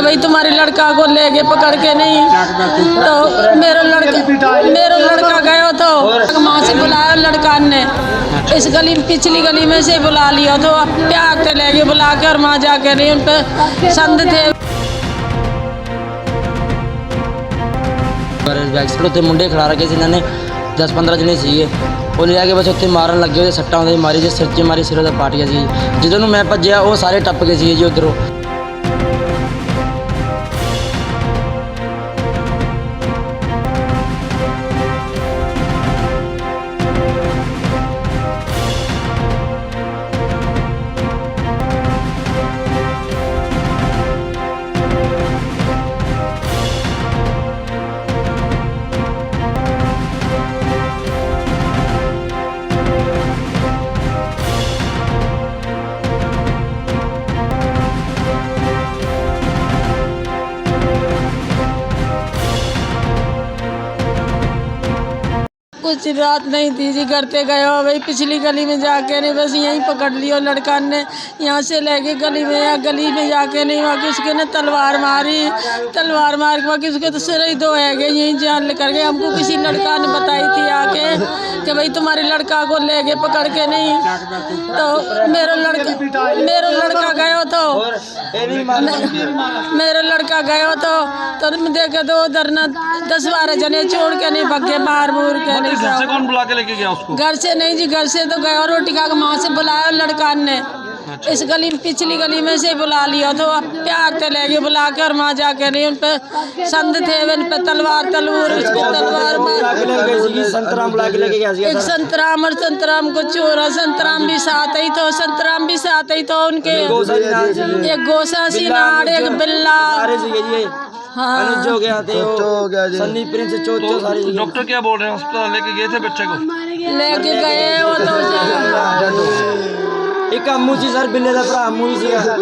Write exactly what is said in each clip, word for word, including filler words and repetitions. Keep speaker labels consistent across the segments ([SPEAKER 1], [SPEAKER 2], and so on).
[SPEAKER 1] भाई तुम्हारे लड़का को ले गए पकड़ के नहीं, तो मेरा लड़का मेरा लड़का गया तो माँ से बुलाया लड़का ने, इस गली पिछली गली में से बुला लिया तो प्यार से ले गए बुला के, और वहाँ जाके नहीं उन पर संद थे।
[SPEAKER 2] उत्ते मुंडे खड़ा रखे थे इन्होंने दस पंद्रह जने सीगे, वो ले आके बस उत्ते मारन लगे, ਉਹਦੇ ਸੱਟਾਂ ਉਹਦੇ ਮਾਰੀ ਜੇ ਸਿਰ 'ਚ ਮਾਰੀ, ਸਿਰ ਉਹਦਾ ਪਾਟ ਗਿਆ ਸੀ। ਜਦੋਂ ਨੂੰ ਮੈਂ ਭੱਜਿਆ ਉਹ ਸਾਰੇ ਟੱਪ ਗਏ ਸੀ ਜੀ ਉਧਰੋਂ।
[SPEAKER 1] कुछ रात नहीं थी जी, घर पे गए हो भाई पिछली गली में जाके नहीं, बस यहीं पकड़ लियो लड़का ने, यहाँ से ले गए गली में, या गली में जाके नहीं, वहाँ किसके ने तलवार मारी, तलवार मार के वहाँ किसके तो सिर ही दो है गए, यहीं जान लेकर गए। हमको किसी लड़का ने बताई थी आके कि भाई तुम्हारे लड़का को ले गए पकड़ के नहीं, तो मेरा लड़का मेरा लड़का गया तो मेरा लड़का गया तो तो देखे तो उधर न दस बारह जने छोड़ के नहीं भगे, मार मूर के नहीं।
[SPEAKER 3] घर से कौन बुला के लेके गया उसको?
[SPEAKER 1] घर से नहीं जी, घर से तो गया और रोटी खा के माँ से बुलाया लड़का ने, इस गली पिछली गली में से बुला लिया तो प्यार से ले गए बुला के, और वहाँ जाके नहीं उन पे संद थे, उन पे तलवार तलवार उसको तलवार एक संतराम, और संतराम को चोरा, संतराम भी साथ ही तो संतराम भी साथ ही तो उनके, एक गोसा सिनार, एक बिल्ला, हाँ
[SPEAKER 2] हो गया थे सन्नी प्रिंस चोचो सारी।
[SPEAKER 3] डॉक्टर क्या बोल रहे हैं? अस्पताल लेके गए थे बच्चे को?
[SPEAKER 1] लेके गए वो तो
[SPEAKER 2] एक अम्मू जी सर, बिल्ले का भरा अम्मू जी सीगा।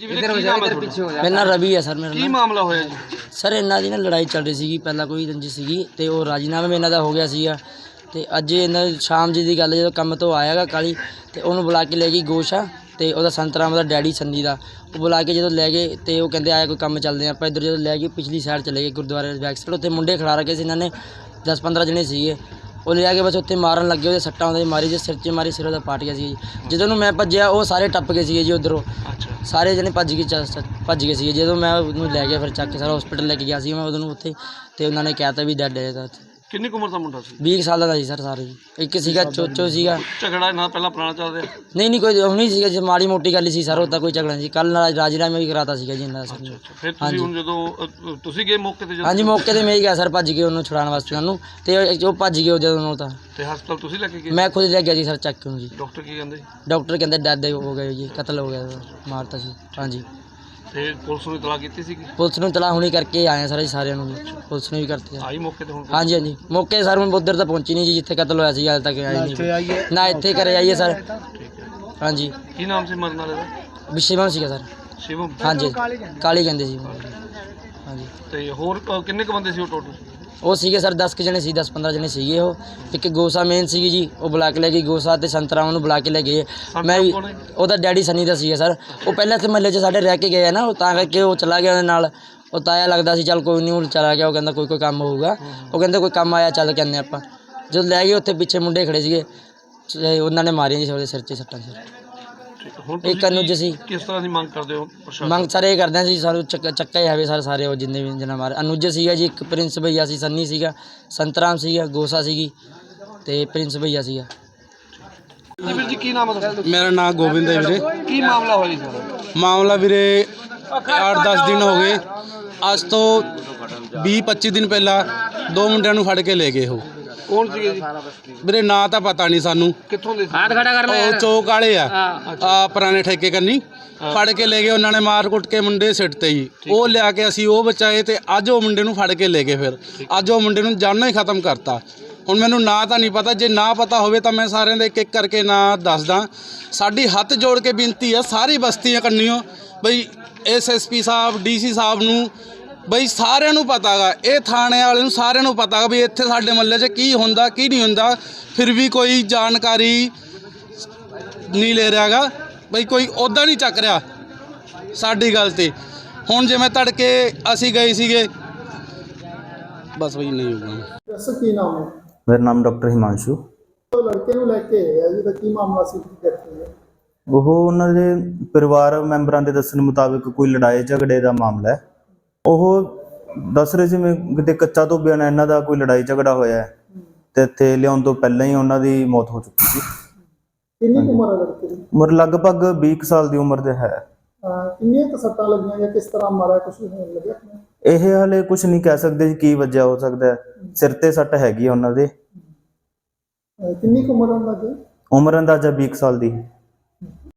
[SPEAKER 2] मेरा नाम रवि है सर। मेरा
[SPEAKER 3] ਕੀ ਮਾਮਲਾ ਹੋਇਆ ਜੀ?
[SPEAKER 2] ਸਰ ਇਹਨਾਂ ਦੀ ਨਾ ਲੜਾਈ ਚੱਲ ਰਹੀ ਸੀਗੀ, ਪਹਿਲਾਂ ਕੋਈ ਰੰਜਿਸ਼ ਸੀਗੀ ਤੇ ਉਹ ਰਾਜੀਨਾਮਾ ਇਹਨਾਂ ਦਾ ਹੋ ਗਿਆ ਸੀਗਾ, ਤੇ ਅੱਜ ਇਹਨਾਂ ਸ਼ਾਮ ਜੀ ਦੀ ਗੱਲ, ਜਦੋਂ ਕੰਮ ਤੋਂ ਆਇਆਗਾ ਕਾਲੀ ਤੇ ਉਹਨੂੰ ਬੁਲਾ ਕੇ ਲੈ ਗਈ ਗੋਸ਼ਾ, ਤੇ ਉਹਦਾ ਸੰਤਰਾਮ ਦਾ ਡੈਡੀ ਸੰਨੀ ਦਾ, ਉਹ ਬੁਲਾ ਕੇ ਜਦੋਂ ਲੈ ਗਏ ਤੇ ਉਹ ਕਹਿੰਦੇ ਆਇਆ ਕੋਈ ਕੰਮ ਚੱਲਦੇ ਆਪਾਂ ਇੱਧਰ, ਜਦੋਂ ਲੈ ਗਏ ਪਿਛਲੀ ਸਾਈਡ ਚਲੇ ਗਏ ਗੁਰਦੁਆਰੇ ਬੈਕ ਸਾਈਡ, ਉੱਥੇ ਮੁੰਡੇ ਖੜਾ ਰੱਖੇ ਸੀ ਇਹਨਾਂ ਨੇ ਦਸ ਪੰਦਰਾਂ ਜਣੇ ਸੀਗੇ, ਉਹ ਲੈ ਕੇ ਬਸ ਉੱਥੇ ਮਾਰਨ ਲੱਗੇ, ਉਹਦੇ ਸੱਟਾਂ ਉਹਦੇ ਮਾਰੀ ਜੇ ਸਿਰ 'ਚ ਮਾਰੀ, ਸਿਰ ਉਹਦਾ ਪਾਟ ਗਿਆ ਸੀ ਜੀ। ਜਦੋਂ ਨੂੰ ਮੈਂ ਭੱਜਿਆ ਉਹ ਸਾਰੇ ਟੱਪ ਗਏ ਸੀਗੇ ਜੀ ਉਧਰੋਂ, ਸਾਰੇ ਜਣੇ ਭੱਜ ਗਏ ਭੱਜ ਗਏ ਸੀਗੇ। ਜਦੋਂ ਮੈਂ ਉਹਨੂੰ ਲੈ ਗਿਆ ਫਿਰ ਚੱਕ ਕੇ ਸਾਰਾ ਹਸਪੀਟਲ ਲੈ ਕੇ ਗਿਆ ਸੀ ਮੈਂ ਉਹਨੂੰ ਉੱਥੇ, ਤੇ ਉਹਨਾਂ ਨੇ ਕਹਿ ਤਾ ਵੀ ਡੈਡ ਹੈ।
[SPEAKER 3] ਕਿੰਨੀ ਕੁ ਉਮਰ ਦਾ ਮੁੰਡਾ ਸੀ?
[SPEAKER 2] ਵੀਹ ਸਾਲਾਂ ਦਾ ਸੀ ਸਰ ਸਾਰੇ ਜੀ। ਇੱਕ ਸੀਗਾ ਚੋਚੋ ਸੀਗਾ।
[SPEAKER 3] ਝਗੜਾ ਨਾ ਪਹਿਲਾਂ ਪੁਰਾਣਾ ਚੱਲ ਰਿਹਾ?
[SPEAKER 2] ਨਹੀਂ ਨਹੀਂ ਕੋਈ ਹੁਣੀ ਸੀਗਾ ਜੀ, ਮਾੜੀ ਮੋਟੀ ਗੱਲ ਸੀ ਸਰ, ਉਹ ਤਾਂ ਕੋਈ ਝਗੜਾ ਨਹੀਂ ਸੀ। ਕੱਲ੍ਹ ਨਾਲ ਰਾਜੀਨਾਮਾ ਵੀ ਕਰਾਤਾ ਸੀਗਾ ਜੀ ਇਹਨਾਂ ਦਾ ਸਰ।
[SPEAKER 3] ਫਿਰ ਤੁਸੀਂ ਹੁਣ ਜਦੋਂ ਤੁਸੀਂ ਗਏ ਮੌਕੇ ਤੇ?
[SPEAKER 2] ਹਾਂਜੀ ਮੌਕੇ ਤੇ ਮੈਂ ਹੀ ਗਿਆ ਸਰ, ਭੱਜ ਗਏ ਉਹਨੂੰ ਛੁਡਾਉਣ ਵਾਸਤੇ ਉਹਨੂੰ, ਤੇ ਉਹ ਭੱਜ ਗਏ ਜਦੋਂ ਉਹ ਤਾਂ।
[SPEAKER 3] ਤੇ ਹਸਪਤਾਲ ਤੁਸੀਂ ਲੈ ਕੇ ਗਏ?
[SPEAKER 2] ਮੈਂ ਖੁਦ ਲੈ ਗਿਆ ਜੀ ਸਰ ਚੱਕ ਕੇ ਉਹਨੂੰ ਜੀ।
[SPEAKER 3] ਡਾਕਟਰ ਕੀ ਕਹਿੰਦੇ?
[SPEAKER 2] ਡਾਕਟਰ ਕਹਿੰਦੇ ਡੈਡ ਹੋ ਗਏ ਜੀ, ਕਤਲ ਹੋ ਗਿਆ, ਮਾਰਤਾ ਸੀ। ਹਾਂਜੀ।
[SPEAKER 3] ਤੇ ਪੁਲਿਸ ਨੂੰ ਇਤਲਾਹ ਕੀਤੀ ਸੀ?
[SPEAKER 2] ਪੁਲਿਸ ਨੂੰ ਇਤਲਾਹ ਹੁਣੀ ਕਰਕੇ ਆਏ ਸਰ ਸਾਰਿਆਂ ਨੂੰ, ਪੁਲਿਸ ਨੇ ਵੀ ਕਰਤੀ
[SPEAKER 3] ਆਈ ਮੌਕੇ ਤੇ ਹੁਣ?
[SPEAKER 2] ਹਾਂਜੀ ਹਾਂਜੀ ਮੌਕੇ ਸਰ ਹੁਣ ਉੱਧਰ ਤਾਂ ਪਹੁੰਚੀ ਨਹੀਂ ਜੀ ਜਿੱਥੇ ਕਤਲ ਹੋਇਆ ਸੀ, ਹਾਲੇ ਤੱਕ ਆਈ ਨਹੀਂ ਨਾ, ਇੱਥੇ ਘਰੇ ਆਈਏ ਸਰ। ਹਾਂਜੀ।
[SPEAKER 3] ਕੀ ਨਾਮ ਸੀ ਮਰਨ ਵਾਲੇ ਦਾ?
[SPEAKER 2] ਵਿਸ਼ੇਵਮ ਸੀਗਾ ਸਰ।
[SPEAKER 3] ਸ਼ਿਵਮ?
[SPEAKER 2] ਹਾਂਜੀ ਕਾਲੀ ਕਹਿੰਦੇ ਸੀ। ਹਾਂਜੀ।
[SPEAKER 3] ਤੇ ਹੋਰ ਕਿੰਨੇ ਕੁ ਬੰਦੇ ਸੀ ਉਹ ਟੋਟਲ?
[SPEAKER 2] ਉਹ ਸੀਗੇ ਸਰ ਦਸ ਕੁ ਜਣੇ ਸੀ, ਦਸ ਪੰਦਰਾਂ ਜਣੇ ਸੀਗੇ ਉਹ। ਇੱਕ ਗੋਸਾ ਮੇਨ ਸੀਗੀ ਜੀ, ਉਹ ਬੁਲਾ ਕੇ ਲੈ ਗਈ ਗੋਸਾ, ਤੇ ਸੰਤਰਾ ਉਹਨੂੰ ਬੁਲਾ ਕੇ ਲੈ ਗਏ। ਮੈਂ ਵੀ ਉਹਦਾ ਡੈਡੀ ਸਨੀ ਦਾ ਸੀਗਾ ਸਰ, ਉਹ ਪਹਿਲਾਂ ਇੱਥੇ ਮਹੱਲੇ 'ਚ ਸਾਡੇ ਰਹਿ ਕੇ ਗਏ ਆ ਨਾ, ਉਹ ਤਾਂ ਕਰਕੇ ਉਹ ਚਲਾ ਗਿਆ ਉਹਦੇ ਨਾਲ, ਉਹ ਤਾਇਆ ਲੱਗਦਾ ਸੀ। ਚੱਲ ਕੋਈ ਨਹੀਂ, ਉਹ ਚਲਾ ਗਿਆ, ਉਹ ਕਹਿੰਦਾ ਕੋਈ ਕੋਈ ਕੰਮ ਹੋਊਗਾ, ਉਹ ਕਹਿੰਦੇ ਕੋਈ ਕੰਮ ਆਇਆ ਚੱਲ ਕਹਿੰਦੇ ਆਪਾਂ। ਜਦੋਂ ਲੈ ਗਏ ਉੱਥੇ ਪਿੱਛੇ ਮੁੰਡੇ ਖੜੇ ਸੀਗੇ, ਉਹਨਾਂ ਨੇ ਮਾਰੀਆਂ ਜੀ ਉਹਦੇ ਸਿਰ 'ਚ ਸੱਟਾਂ ਸੀ। ਇੱਕ ਅਨੁਜ ਸੀ।
[SPEAKER 3] ਕਿਸ ਤਰ੍ਹਾਂ ਦੀ ਮੰਗ ਕਰਦੇ ਹੋ?
[SPEAKER 2] ਮੰਗ ਸਾਰੇ ਇਹ ਕਰਦੇ ਹਾਂ ਜੀ, ਸਾਨੂੰ ਚੱਕਾ ਚੱਕਾ ਹੀ ਆਵੇ ਸਰ ਸਾਰੇ, ਉਹ ਜਿੰਨੇ ਵੀ ਜਨਾ ਮਾਰੇ। ਅਨੁਜ ਸੀਗਾ ਜੀ, ਇੱਕ ਪ੍ਰਿੰਸ ਭਈਆ ਸੀ, ਸੰਨੀ ਸੀਗਾ, ਸੰਤਰਾਮ ਸੀਗਾ, ਗੋਸਾ ਸੀਗੀ, ਤੇ ਪ੍ਰਿੰਸ ਭਈਆ ਸੀਗਾ।
[SPEAKER 3] ਜੀ ਵੀਰ ਜੀ ਕੀ ਨਾਮ ਹੈ ਤੁਹਾਡਾ?
[SPEAKER 4] ਮੇਰਾ ਨਾਮ ਗੋਬਿੰਦ ਹੈ ਵੀਰੇ।
[SPEAKER 3] ਕੀ ਮਾਮਲਾ ਹੋਇਆ ਜੀ ਤੁਹਾਡਾ?
[SPEAKER 4] ਮਾਮਲਾ ਵੀਰੇ ਅੱਠ ਦਸ ਦਿਨ ਹੋ ਗਏ, ਅੱਜ ਤੋਂ ਵੀਹ ਪੱਚੀ ਦਿਨ ਪਹਿਲਾਂ ਦੋ ਮੁੰਡਿਆਂ ਨੂੰ ਫੜ ਕੇ ਲੈ ਗਏ। ਉਹ
[SPEAKER 3] ਕੌਣ ਸੀਗੇ ਜੀ?
[SPEAKER 4] ਵੀਰੇ ਨਾਂ ਤਾਂ ਪਤਾ ਨਹੀਂ ਸਾਨੂੰ।
[SPEAKER 3] ਕਿੱਥੋਂ ਦੇ?
[SPEAKER 4] ਉਹ ਚੌਕ ਵਾਲੇ ਆ, ਆ ਪੁਰਾਣੇ ਠੇਕੇ ਕੰਨੀ ਫੜ ਕੇ ਲੈ ਗਏ। ਉਹਨਾਂ ਨੇ ਮਾਰ ਕੁੱਟ ਕੇ ਮੁੰਡੇ ਸਿੱਟ ਤੇ ਜੀ, ਉਹ ਲਿਆ ਕੇ ਅਸੀਂ ਉਹ ਬਚਾਏ, ਤੇ ਅੱਜ ਉਹ ਮੁੰਡੇ ਨੂੰ ਫੜ ਕੇ ਲੈ ਗਏ। ਫਿਰ ਅੱਜ ਉਹ ਮੁੰਡੇ ਨੂੰ ਜਾਨੋਂ ਹੀ ਖਤਮ ਕਰਤਾ। ਹੁਣ ਮੈਨੂੰ ਨਾਂ ਤਾਂ ਨਹੀਂ ਪਤਾ, ਜੇ ਨਾ ਪਤਾ ਹੋਵੇ ਤਾਂ ਮੈਂ ਸਾਰਿਆਂ ਦੇ ਇੱਕ ਇੱਕ ਕਰਕੇ ਨਾਂ ਦੱਸਦਾ। ਸਾਡੀ ਹੱਥ ਜੋੜ ਕੇ ਬੇਨਤੀ ਹੈ ਸਾਰੀ ਬਸਤੀਆਂ ਕੰਨੀਓ, ਬਈ ਐਸ ਐਸ ਪੀ ਸਾਹਿਬ, ਡੀ ਸੀ ਸਾਹਿਬ ਨੂੰ, ਬਈ ਸਾਰਿਆਂ ਨੂੰ ਪਤਾ ਗਾ, ਇਹ ਥਾਣੇ ਵਾਲੇ ਨੂੰ ਸਾਰਿਆਂ ਨੂੰ ਪਤਾ ਗਾ ਵੀ ਇੱਥੇ ਸਾਡੇ ਮਹੱਲੇ 'ਚ ਕੀ ਹੁੰਦਾ ਕੀ ਨਹੀਂ ਹੁੰਦਾ, ਫਿਰ ਵੀ ਕੋਈ ਜਾਣਕਾਰੀ ਨਹੀਂ ਲੈ ਰਿਹਾ ਗਾ, ਬਈ ਕੋਈ ਉੱਦਾਂ ਨਹੀਂ ਚੱਕ ਰਿਹਾ ਸਾਡੀ ਗੱਲ 'ਤੇ। ਹੁਣ ਜਿਵੇਂ ਤੜਕੇ ਅਸੀਂ ਗਏ ਸੀਗੇ ਬਸ ਵਹੀ ਨਹੀਂ ਹੋਊਗਾ।
[SPEAKER 5] ਦੱਸੋ ਕੀ ਨਾਮ ਹੈ?
[SPEAKER 6] ਮੇਰਾ ਨਾਮ ਡਾਕਟਰ ਹਿਮਾਂਸ਼ੂ।
[SPEAKER 5] ਉਹ ਲੜਕੇ ਨੂੰ ਲੈ ਕੇ ਆਇਆ ਜਿਹਦਾ ਕੀ ਮਾਮਲਾ ਸੀ ਕੀ ਕਰਦੇ ਹੈ?
[SPEAKER 6] ਉਹ ਉਹਨਾਂ ਦੇ ਪਰਿਵਾਰ ਮੈਂਬਰਾਂ ਦੇ ਦੱਸਣ ਮੁਤਾਬਿਕ ਕੋਈ ਲੜਾਈ ਝਗੜੇ ਦਾ ਮਾਮਲਾ ਹੈ। ਉਹ ਦੱਸ ਰਹੇ ਸੀ ਮੈਂ ਕਿਤੇ ਕੱਚਾ ਧੋਬਿਆਂ ਨਾਲ ਇਹਨਾਂ ਦਾ ਕੋਈ ਲੜਾਈ ਝਗੜਾ ਹੋਇਆ ਹੈ ਤੇ ਇੱਥੇ ਲਿਆਉਣ ਤੋਂ ਪਹਿਲਾਂ ਹੀ ਉਹਨਾਂ ਦੀ ਮੌਤ ਹੋ ਚੁੱਕੀ ਸੀ।
[SPEAKER 5] ਕਿੰਨੀ ਕੁ ਉਮਰ ਹੈ ਲੜਕੇ ਦੀ?
[SPEAKER 6] ਉਮਰ ਲਗਭਗ ਵੀਹ ਕੁ ਸਾਲ ਦੀ ਉਮਰ ਦੇ ਹੈ।
[SPEAKER 5] ਅਹ ਕਿੰਨੀਆਂ ਕੁ ਸੱਟਾਂ ਲੱਗੀਆਂ ਜਾਂ ਕਿਸ ਤਰ੍ਹਾਂ ਮਾਰਿਆ, ਕੁਝ ਹੋਣ ਲੱਗਿਆ?
[SPEAKER 6] ਇਹ ਹਾਲੇ ਕੁਝ ਨਹੀਂ ਕਹਿ ਸਕਦੇ ਜੀ ਕੀ ਵਜ੍ਹਾ ਹੋ ਸਕਦਾ ਹੈ। ਸਿਰ ਤੇ ਸੱਟ ਹੈਗੀ ਆ ਉਹਨਾਂ ਦੇ।
[SPEAKER 5] ਅਹ ਕਿੰਨੀ ਕੁ ਉਮਰ ਉਹਨਾਂ ਦੀ?
[SPEAKER 6] ਉਮਰ ਅੰਦਾਜ਼ਾ ਵੀਹ ਕੁ ਸਾਲ ਦੀ।